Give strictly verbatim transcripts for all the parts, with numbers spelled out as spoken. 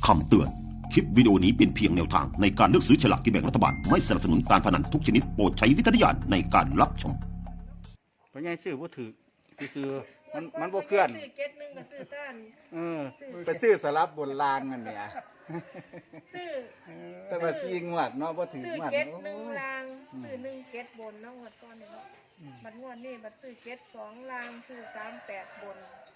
คำเตือน คลิปวิดีโอนี้เป็นเพียงแนวทางในการเลือกซื้อฉลากกินแบ่งรัฐบาล ไม่สนับสนุนการพนันทุกชนิดโปรดใช้วิจารณญาณในการรับชมเพราะไงซื้อบ่ถือซื้อมันมันบ่เคลื่อนซื้อเจ็ดหนึ่งก็ซื้อต้านเออไปซื้อสลับบนรางนั่นเนี่ยซื้อแต่ว่าซีงวดเนาะบ่ถือซื้องวดเจ็ดโอ้หนึ่งยลางซื้อหนึ่งเจ็ดบนเนาะงวดก่อนนี่เนาะบัดงวดนี้บัดซื้อเจ็ดสองลางซื้อสามแปดบน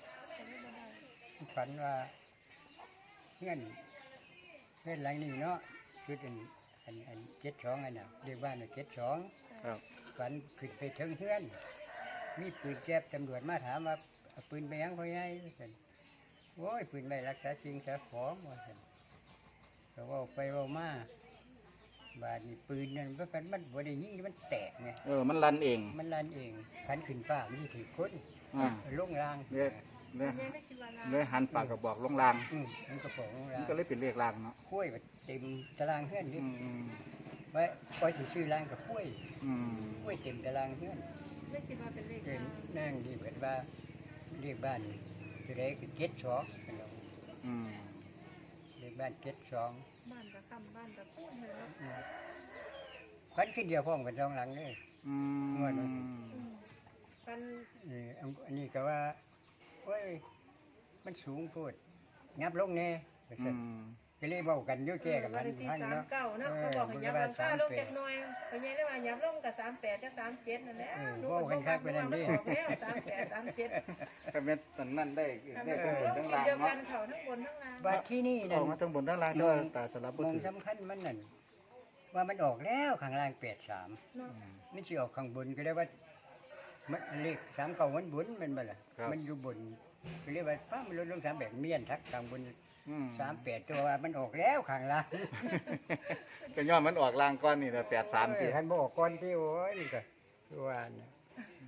ฝันว่าเงื่อนเงื่อนหลังนี้เนาะชุดอันอันอันเจ็ดสองอันน่ะเรียกว่าเจ็ดสองครับฝันขึ้นไปถึงเฮือนมีปืนแก๊ปตำรวจมาถามว่าเอาปืนไปยังพ่อใหญ่ว่าซั่นโอ้ยปืนไม่รักษาสิ่งสาของว่าซั่นก็เว่าไปเว่ามาบาดนี้ปืนนั่นมันมันบ่ได้ยิงมันแตกไงเออมันรันเองมันลั่นเองพันขึ้นฟ้ามันสิถือคนอ่าลงรางเลยเลยยังไม่คิดว่าลางเลยหันปากกระบอกลงรางอืมมันก็บอกลงมัราน งก็เลยเป็นเลขรางเนาะกล้วยก็เต็มตารางเฮือนนี่อืมอืมไว้ไว้ที่ซื้อรางกับกล้วยอืมกล้วยเต็มตารางเฮือนไม่คิดว่าเป็นเลขเกินลางนั่งที่เกิดว่าเรียกบ้านคือไรคือเก็ดสองเป็นเราอืมเรียกบ้านเก็ดสองบ้านกับคำบ้านกับพูดเลยเนาะอืมพันขึ้นเดียวพ้องเป็นสองหลังเลยอืงวดนี้มอืมกันเอออันอันนี้ก็ว่าโอ้ยมันสูงโพูดงับลงแน่ว่าอืซั่นมก็เลยเว้ากันอยู่แก่กับวัมัน นที่พันสามเนาะเก้าเนาะเขาบอกให้ยับลงค่าลงเจ็ดหน่อยเขาใหญ่ได้ว่ายับลงกับสามแปดกับสามเจ็ดนั่นแหละหนูบอกว่ามันออกแล้วสามแปดสามเจ็ดก็แม่นตอนนั้นได้แต่ได้มันทั้งบนลทั้งงทีล่างเดียวกัเนาะนเขาทั้งบนทั้งล่างบัดที่นี่อนั่อน กมาทั้งบนทั้งล่างก็ตาสลับบ่มองถือสำคัญมันนั่นว่ามันออกแล้วข้างล่างแปดสามเนาะมันสิออกข้างบนก็เรียกว่ามันเลขสามเก่ามันบนแมันบ่ล่ะครับมันอยู่บนก็เรียกว่าป้ามันลดลงสามแบบเมียนทักข้างบนอืมสามแปดตัวว่ามันออกแล้วข้างล่างก็ย้อนมันออกรางก้อนนี่แหละแปดสามเอที่อคันบ่ออกก่อนที่โอ้ยนี่ก็คือว่าน่ะ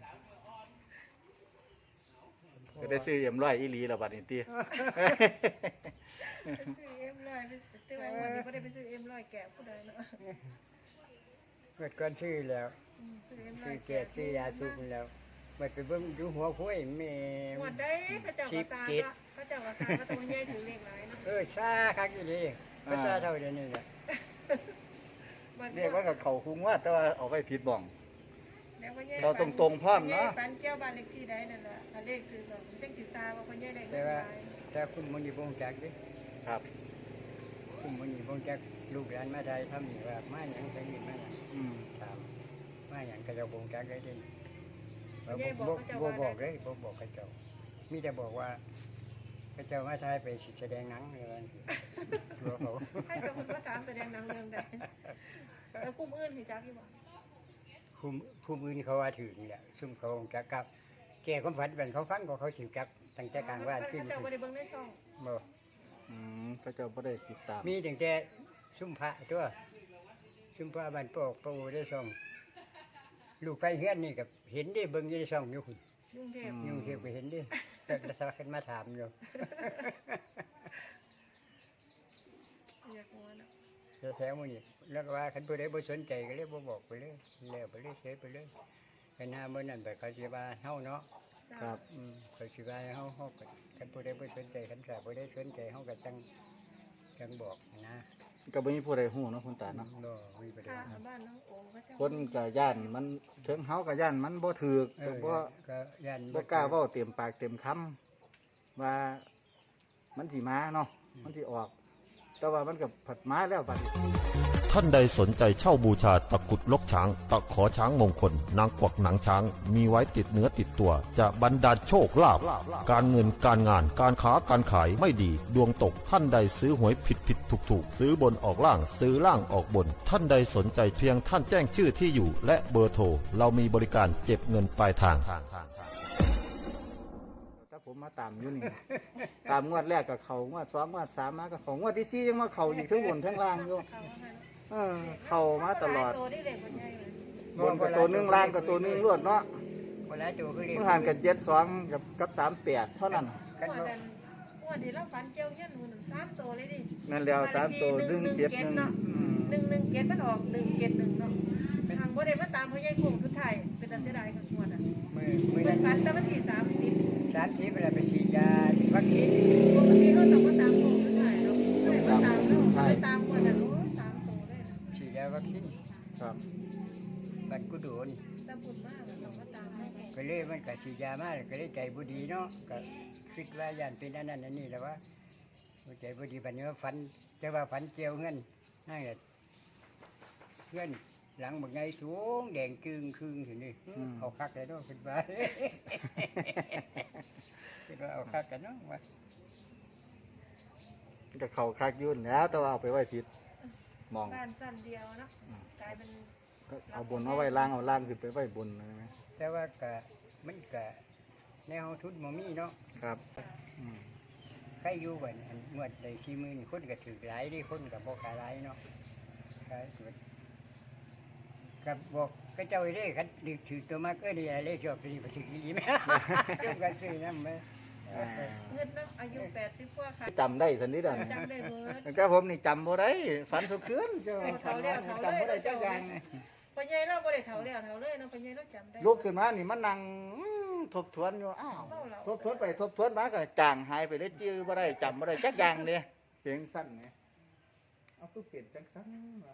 ก็ได้ซื้อเอ็มร้อยอีหลีแล้วบัดนี้ติซื้อเอ็มร้อยไปซื้อไว้วันนี้ก็ได้ไปซื้อเอ็มร้อยแกะผู้ใดเนาะเกิดก่อนซื้อแล้วอืมซื้อเอ็มร้ซื้ออย แก่ซื้อยาสูบแล้วไปไปเบิ่งดูหัวคุ้ยแม่หมดได้พระเจ้ากระซาก็พระเจ้ากระซาก็ตัวใหญ่ถือเลขหลายเนาะเออซาคักอีหลีภาษาเท่าเดี๋ยวนี้น่ะเรียกว่ากับเขาคุ้งว่าแต่ว่าเอาไว้ผิดบ้องแล้วพ่อใหญ่เราตรงๆพร้อมเนาะปันเกี่ยวบ้านเลขที่ใดนั่นแหละถ้าเลขคือแบบจังสิซาว่าพ่อใหญ่ได้เลแต่ขหว่าลายถ้าคุณมันอยู่บ่งจักเดิครับคุณมันอยู่บ่งจักลูกหลานมาไทยทำนี่ว่ามาหยังไปนี่มาหยังอืมถามมาหยังก็จะบ่งจักได้เดิพ่อใหญ่บอกบ่พระเจ้าบ่ว่าบอกเลยบ่บอกเขาเจ้ามีแต่บอกว่าเขาเจ้ามาไทยไปสิแสดงหนังอะไรว่าบอกเขาให้เป็นคนมาถามแสดงหนังเรื่องใดแล้วกลุ่มอื่นที่จักอยู่บ่คุมคุมอื่นเขาว่าถึงแหละซุ่มเขาจักกับแก่ความฝันเป็นเขาฟังก็เขาสิจักตั้งแต่กลางว่านขึ้นพระเจ้าบ่ได้เบิ่งในช่องบ่อืมพระเจ้าบ่ได้ติดตามมีตั้งแต่ซุ่มพระตัวซุ่มพระบ้านปอกปูได้ช่องลูกไปเฮือนนี่ก็เห็นได้เบิ่งอยู่ในช่องอยู่คุณยุ่งเทพยุ่งเทียบไปเห็นดิแต่สวัสดิ์มาถามอยู่อยากหัวเนาะแล้วแถวมื้อนี้แล้วก็ว่าคันผู้ใดบ่สนใจก็เลยบ่บอกไปเลยแล้วไปเลยเสียไปเลยคันหน้ามื้อนั้นไปเขาสิว่าเฮาเนาะครับอืมเขาสิว่าเฮาเฮาก็คันผู้ใดบ่สนใจคันสาผู้ใดสนใจเฮาก็จังจังบอกนะก็บ่มีผู้ใดฮู้เนาะคุณตาเนาะบ่มีประเด็นข้าบ้านน้องโอ๋พระเจ้าคนก็ย่านมันถึงเฮาก็ย่านมันบ่ถูกเอก็อบ่ก็ยันบ่กล้าเว้าเต็มปากเต็มคำว่ามันสิมาเนาะมันสิออก แต่ว่ามันก็ผัดมาแล้วบัดนี้ท่านใดสนใจเช่าบูชาตะกรุดลกช้าง ตะขอช้างมงคล นางกวักหนังช้าง มีไว้ติดเนื้อติดตัว จะบรรดาลโชคลาภการเงินการงานการค้าการขายไม่ดี ดวงตกท่านใดซื้อหวยผิดผิดถูกถูกซื้อบนออกล่างซื้อล่างออกบน ท่านใดสนใจเพียงท่านแจ้งชื่อที่อยู่ และเบอร์โทรเรามีบริการเก็บเงินปลายทางถ้าผมมาตามอยู่นี่ ตามงวดแรกก็เข้างวดสองงวดสามมาก็เข้างวดที่สี่ยังมาเข้าอีกทั้งบนทั้งล่างอยู่เขาว่าไงเนาะเออเข้ามาตลอดโตได้เด็กคนใหญ่เลยบนกับตัวหนึงล่างกับตัวหนึงรวดเนาะบ่หลายตัวคือเรียเมื่อห่างกันเจ็ดสองกับกับสามแปดเท่านั้นกันอ้วนบ่นั้นอ้วนที่เราฝันเจียวเฮี้ยนหนูหนึ่งสามโตเลยดินั่นแล้วสามตัวหนึ่งเจ็ดหนึ่งเนาะอืมหนึ่งหนึ่งเจ็ดมันออกหนึ่งเจ็ดหนึ่งเนาะทางบ่ได้มาตามพ่อใหญ่โค้งสุดท้ายเป็นตาเสียดายกับอ้วนอ่ะมื้อมื้อเป็นั้น นฝันแต่วันที่สามสิบสามสิบเวลาไปฉีดยาวัคซีนปกติเราต้องมาตามโค้งสุดท้ายเนาะไม่ได้มาท้ายไปตามกันน่ะโอ้ยสามตัวเลยนะฉีดยาวัคซีนครับบัดกูโดนแต่บุญมากอะเราก็ตามให้ก็เลยมันก็ฉีดยามาก็เลยใจบ่ดีเนาะก็คิดว่าย่านเป็นอันนั้นอันนี้แหล้วว่าใจบ่ดีบัดนี้ว่าฝันแต่ว่าฝันเกี่ยวเงินนั่นแหละเงินหลังบักใหญ่สูงแดงจึงครึ่งถึงนี่เอาคักเลยเนาะคิดว่า คิดว่าเอาคักกันเนาะว่าก็เขาคักยุ่นแล้วแต่ว่าเอาไปไว้ผิดมองบ้านสั้นเดียวเนาะกลายเป็นก็เอาบนเอาไว้ล่างเอาล่างขึ้นไปไว้บนนะแต่ว่าก็มันก็แนวทุนบ่มีเนาะครับอืมใครอยู่บัดอันงวดได้สี่หมื่นคนก็ถือหลายเดิคนก็บ่ขายหลายเนาะขายกับบอกก็เจ้าไอ้เด้คันดึกถือตัวมากเอ้ยนี่อะไรชอบสิบ่ถืออีแม่เจ้าก็ซื้อนำแม่อ่าเงินเนาะอายุแปดสิบกว่าค่ะจำได้สันนิษฐานจำได้เบิดแต่ผมนี่จำบ่ได้ฝันทุกคืนเจ้าเอาฝันเท่าแล้วจำบ่ได้จักอย่างพ่อใหญ่เราบ่ได้เฒ่าแล้วเฒ่าเลยเนาะพ่อใหญ่เราจำได้ลุกขึ้นมานี่มันนั่งอืมทบทวนอยู่อ้าวทบทวนไปทบทวนมาก็จางหายไปเลยจื้อบ่ได้จำบ่ได้จักอย่างเลยเพียงสั้นไงเอาคือเปลี่ยนจังสั้นวะ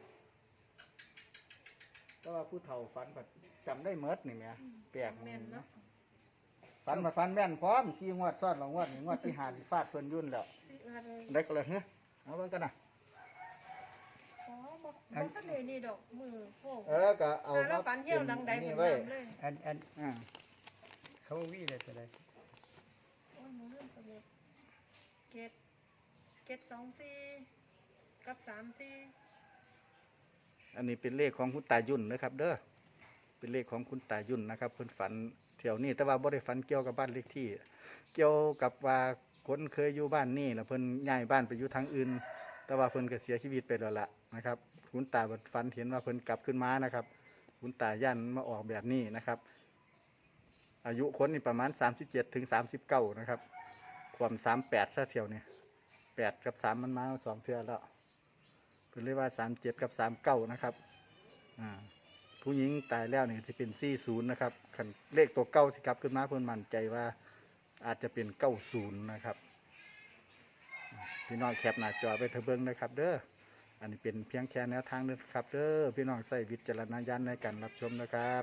แต่ว่าผู้เฒ่าฝันก็จำได้เมดนี่แหม่แปลกแม่นเนาะเนาะฝันมาฝันแม่นพร้อมสี่งวดซ้อนหลังงวดนี่งวดที่หาที่ฟาดเพิ่นยุ่นแล้วสิเอิ้นเลยได้ก็เลยเฮ้ยเอาเบิ่งกันนะอ๋อบ่บ่ทันได้นี่ดอกมือโป้งเออก็เอาหาแล้วฝันเหี่ยวหลังใดนี่เพิ่นไว้จำเลยอันอันอ่าเขาวิเลยจะได้โอ้ยหนูลืมสมุดเก็ดเก็ดสองสี่กับสามสี่อันนี้เป็นเลขของคุณตายุ่นนะครับ เด้อเป็นเลขของคุณตายุ่นนะครับเพิ่นฝันแถวนี้แต่ว่าบ่ได้ฝันเกี่ยวกับบ้านเลขที่ เกี่ยวกับว่าคนเคยอยู่บ้านนี่แล้วเพิ่นย้ายบ้านไปอยู่ทางอื่น แต่ว่าเพิ่นก็เสียชีวิตไปแล้วล่ะนะครับ คุณตาบัดฝันเห็นว่าเพิ่นกลับขึ้นมานะครับ คุณตาย่านมาออกแบบนี้นะครับ อายุคนนี่ประมาณสามสิบเจ็ดถึงสามสิบเก้านะครับ ความสามแปดซะเที่ยวนี่แปดกับสามมันมาสองเทื่อแล้วเพิ่นเรียกว่าสามเจ็ดกับสามเก้านะครับอ่าผู้หญิงตายแล้วนี่จะเป็นสี่ศูนย์นะครับคันเลขตัวเก้าสิกลับขึ้นมาเพิ่นมั่นใจว่าอาจจะเป็นเก้าศูนย์นะครับพี่น้องแคปหน้าจอไปเถอะเบิ่งนะครับ เด้ออันนี้เป็นเพียงแค่แนวทางเด้อครับ เด้อพี่น้องใส่วิจารณญาณในการรับชมนะครับ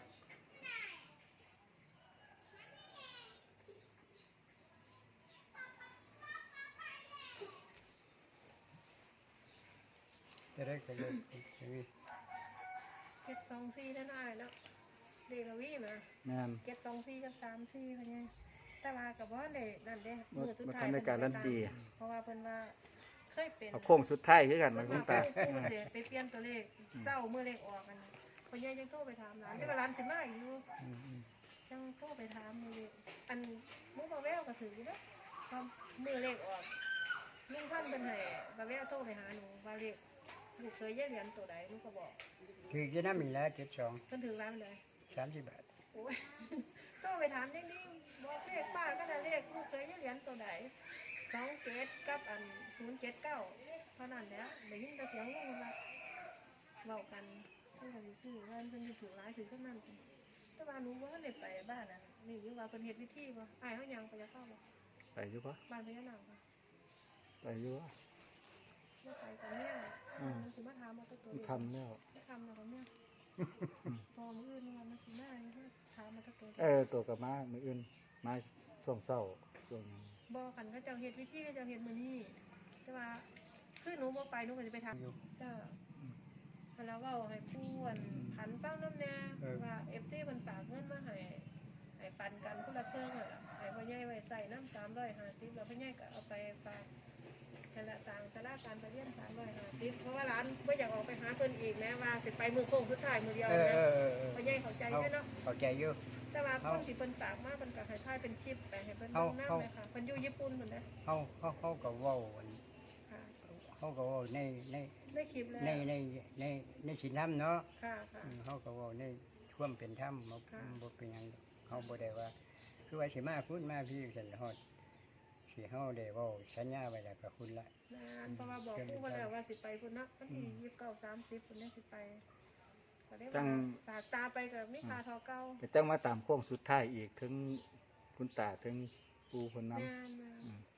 จะได้ก็เลยจะมีเก็ดสองสี่นั่นอ้ายเนาะเดลวีมาแม่นเก็ดสองสี่กับสามสี่พ่อใหญ่แต่ว่าก็บ่ได้นั่นเด้มือสุดบ่ท้าทัยนได้การันตีเพราะว่าเพิ่นว่าเคยเป็นเอาโค้งสุดท้ายคือกันนะคุณตาผู้เสียไปเปลี่ยนตัวเลขเศร้าเมื่อเลขออกกันพ่อใหญ่ยังโทรไปถามร้านที่ว่าร้านสิมาอีกอยู่อืมอืมยังโทรไปถามมือเลขอันหมุกบาแววก็ถืออยู่เนาะพอมือเลขออกลุงพันเป็นไห้บาแววโทรไปหาหนูว่าเลขลูกเคยแย่เหรียญตัวใดลูกก็บอกถือจะน้ำมีแล้วเจ็ดสองเพิ่นถือร้านเลยสามสิบบาทโอ้ยโทรไปถามจริงๆบอกเลขป้าก็ได้เลขลูกเคยแย่เหรียญตัวใดสองเจ็ดกับอันศูนย์เจ็ดเก้าเท่านั้นแหล้วได้ยินแต่เสียงลูกว่าเว้ากันเพื่อนสิซื้อว่าเพิ่นสิถือร้ายถือสักนั้นแต่ว่าหนูว่าได้ไปบ้านน่ะนี่อยู่ว่าเพิ่นเฮ็ดพิธีบ่อ้ายเฮายังไปจะเข้าบ่ไปอยู่ปะบ้านพญานาคบ่ไปอยู่ปะไม่ไปกับแม่อืมมันสิมาถามเอาตัวตัวมันคำแล้วไม่ทำแล้วกับแม่พอมื้ออื่นว่ามันสิมาให้ถามมาตัวตัวเออตัวกับมามืออื่นมาช่วงเศร้าช่วงบ่กันเขาเจ้าเฮ็ดพิธีเขาเจ้าเฮ็ดมื้อนี้แต่ว่าคือหนูบ่ไปหนูก็สิไปทำจ้าแล้วเว้าให้ผู้อั่นผันเป้าน้ำแน่ว่า เอฟ ซี เพิ่นฝากเงินมาให้ให้ปันกันคนละเทิงอ่ะให้พ่อใหญ่ไว้ใส่น้ำสามร้อยห้าสิบแล้วพ่อใหญ่ก็เอาไปฝากนั่นแหละสร้างศาลาการประเรียนสามร้อยห้าสิบเพราะว่าร้านบ่อยากออกไปหาเพิ่นอีกแม้ว่าสิไปมือโค้งสุดท้ายมือเดียวเออนะเออเออเออพ่อใหญ่เข้าใจเขาด้วยเนาะเข้าใจอยู่แต่ว่าคนที่เพิ่นฝากมาเพิ่นก็ให้ทายเป็นชิปไปให้เพิ่นลงน้ำเลยค่ะเพิ่นอยู่ญี่ปุ่นเพิ่นเด้อเขาเขาเขาก็เว้าอันค่ะเขาก็เว้าในในได้คลิปแล้วในในในในสินน้ำเนาะค่ะค่ะอืมเขาก็เว้าในท่วามเป็นถ้ำบ่ค่ะบ่เป็นหยังดอกเขาบ่ได้ว่า คือว่าสิมาพูดมาพี่สันฮอดสิเฮาได้เว้าสัญญาไว้แล้วกับคุณละนานเพราะว่าบอกผู้ว่าแล้วว่าสิไปพุ่นเนาะวันที่ยี่สิบเก้าสามสิบพุ่นเนี่ยสิไปก็ได้ว่าฝากตาไปกับมิคาทอเก้าจะต้องมาตามโค้งสุดท้ายอีกถึงคุณตาถึงปูคนน้แม่นำอืมๆ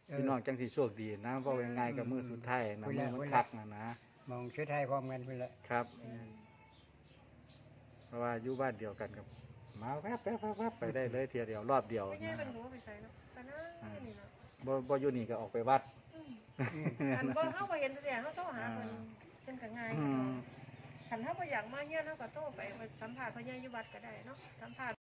พี่น้องจังสิโชคดีนะเพราะว่าง่ายกับมือสุดท้ายนะเวมืลาอมันเวลาคักนะนะมองชุดไทยพร้อมกันเพิ่นละครับแม่นเพราะว่าอยู่บ้านเดียวกันกับมาแวบแวบแวบแวบไปได้เลยเทียเดียวรอบเดียวไม่ใช่นะมันรู้ไปใส่เนาะแต่นั่นนี่เนาะบ่บ่อยู่นี่ก็ออกไปวัดอืมอันบ่เฮาบ่เห็นแต่เฮาโทรหาเพิ่นเพิ่นก็ง่ายอืมคันเฮาบ่อยากมาเฮียนเฮาก็โทรไปสัมภาษณ์เพิ่นอยู่วัดก็ได้เนาะสัมภาษณ์